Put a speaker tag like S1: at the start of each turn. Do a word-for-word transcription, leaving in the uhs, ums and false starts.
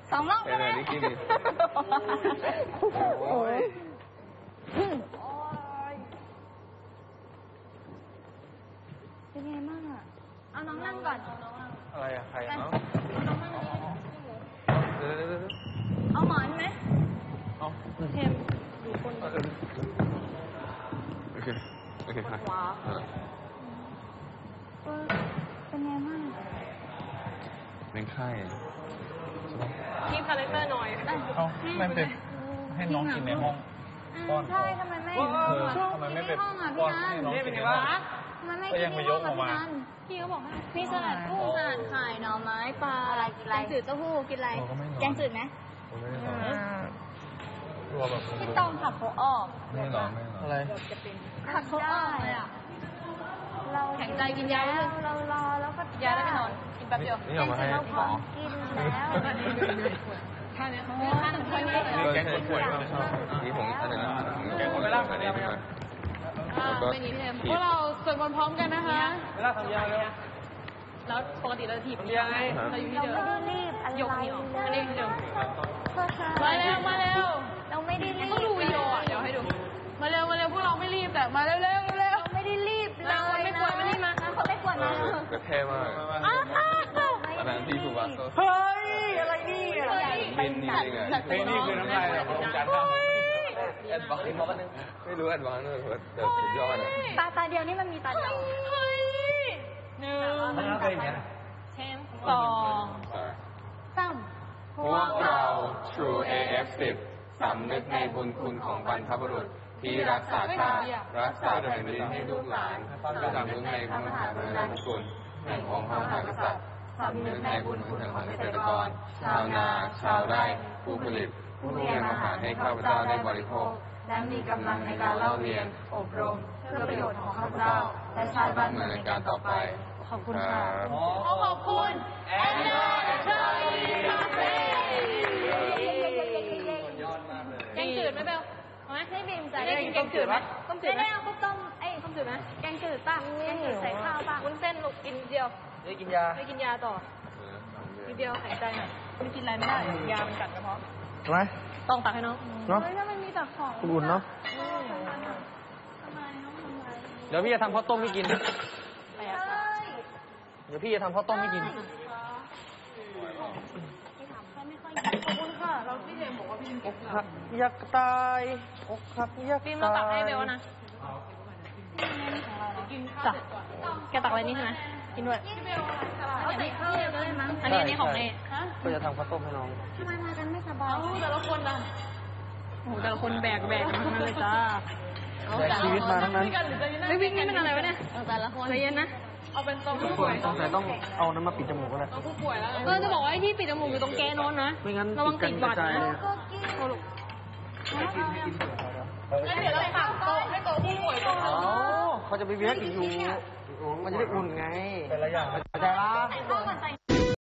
S1: สองรอบก็ได้โอ้ยเป็นไงบ้างอ่ะเอาน้องนั่งก่อน
S2: อะไรอะใครเอา
S1: น้องนั่งเอาหมอนไหม
S2: เอา
S1: เทมดูคน
S2: โอเคโอเคค่ะ
S1: ว้าวเป็นไงบ้าง
S2: เป็นไข้
S3: ทีมคาแรคเตอร์หน่อย
S2: เอาไม่เป็นให้น้องกินในห้องป้อน
S1: ใช่ทำไมไม่
S2: ทำไมไม่เป็นป้อนให้น้องกินในห้องก็ยังไม่ยกออกมา
S1: พี่เขาบอกมีสลัดกุ้งสลัดไข่หน่อไม้ปลาอะไรกินอะไรแกงจืดเต้าหู้กินอะไรแกงจืดไหม
S2: ตัวแบบ
S1: พี่ต้องขับเขาออก
S2: ไม่หรอไม่หรออะไร
S1: ขับเขาออกเลยอ่ะเราแข็งใจกินยาเรารอแล้วก็
S3: ยาแล้วไปนอนกินแป๊บเดียว
S2: นี่เอามาให้หมอ
S1: กินแล้ว
S3: ท่านี้ท่าหนึ่งท่านี้
S2: แกงคนป่วยชอบนี่ผมอันนั้นแกงคนไม่รักอันนี้ไม่รัก
S3: ไม่นี้พี่เทมพวกเราสวดมนต์พร้อมกันนะคะ
S2: ไม่รักทำยาเลย
S3: แล้วปกติเราถีบ
S2: ยังไง
S3: เราอยู่ที่เดิม
S1: เราไม่ได้รีบอะไร
S3: ยกนิ้วอันนี้ที่เดิม
S1: มาเร็ว
S3: มาเร็ว
S1: เราไม่ได้รีบ
S3: ต้องดูวิดีโออ่ะเดี๋ยวให้ดูมาเร็วมาเร็วพวกเราไม่รีบแต่มาเร็วเร็วเร็ว
S1: ไม่ได้รีบเลย
S3: คนไม่ควรไม่รีบมา
S1: คนไม่ควรมา
S2: ก็เท่มากอันนั้นที่ถูกว่า
S3: เฮ้ยอะไรนี่
S2: บินนี่ไงเพลงนี้คือน้ำลายแบบผมจัดได้แอดวานซ์มากนึงไม่รู้แอดวานซ์เลยแต่สุดยอด
S1: ตาตาเดียวนี่มันมีตาเดียว
S3: เฮ้ยหนึ่งเทมสอง
S1: สาม
S2: พวกเรา True เอ เอฟ สิบ สำนึกในบุญคุณของบรรพบุรุษที่รักษาชาติรักษาแผ่นดินให้ลูกหลานสำนึกในพระมหากรุณาธิคุณแห่งองค์พระมหากษัตริย์สำนึกในบุญคุณของเกษตรกรชาวนาชาวไร่ผู้ผลิตผู้เลี้ยงอาหารให้ข้าพเจ้าได้บริโภคและมีกำลังในการเล่าเรียนอบรมเพื่อประโยชน์ของข้าพเจ้าและชาติบ้านเมืองในการต่อไป
S1: ขอบคุณค่ะ
S3: ขอบคุณแอนนาชาลีคาเฟ่แกงจืดไหมเบลเอาไหมให้บีมจ่ายได้กินแกงจืดไหมต้มจืดไหม
S1: เอาต้มไอ้ต้มจืดไหมแกงจืดป่ะแกงจืดใส่ข้าวป่ะ
S3: วุ้นเส้นลูกกินเดียว
S2: ได้กินยา
S3: ได้กินยาต่อทีเดียวหายใจหน่อยไม่กินอะไรไม่ได้ยามันกัดกระเพาะ
S2: ทำไม
S3: ต้องตักให้น้อง
S2: เนาะ
S1: ถ้ามันมีแต่ของ
S2: อุ่นเนาะเดี๋ยวพี่จะทำข้าวต้มให้กินเดี๋ยวพี่จะทำข้าวต้มให้กิน
S1: ขอบคุณค่ะเราพี่เจมบอกว่าพี่
S2: อกหักอยากตายอกหักอยากตาย
S3: พี่ต้องตักให้เบลนะจ้ะแกตักอะไรนี่ใช่ไหมกินด้วย
S1: เอาใส่ข้าวเลยได้มั้ง
S3: อันนี้อันนี้ของเน
S2: ก็จะทำข้าวต้มให้น้อง
S1: ทำไมมากันไม่สบาย
S3: แต่ละคนล่ะโอ้แต่ละคนแบกแบกทั้งนั้นเลยจ้า
S2: แบกชีวิตมาทั้งนั้น
S3: ไม่วิ่งนี่มันอะไรวะเนี่ยแต่ละคนใจเย็นนะเอาเป็นตัวผู้ป่วย
S2: ต้องแต่ต้องเอาน้ำมาปิดจมูกก็ได้
S3: เอาผู้ป่วยแล้วก็จะบอกว่าที่ปิดจมูกอยู่ตรงแกนโน้นนะ
S2: ไม่งั้น
S3: ระวังติดหวัดนะ
S1: โอ้ลูก
S3: งั้นเดี๋ยวเราฝากโต๊ะให้โต๊ะผู้ป่วยตรงนู้น
S2: เขาจะไปเวียกอีกอยู่มันจะได้อุ่นไงเป็นอะไรอย่างเข้าใจปะ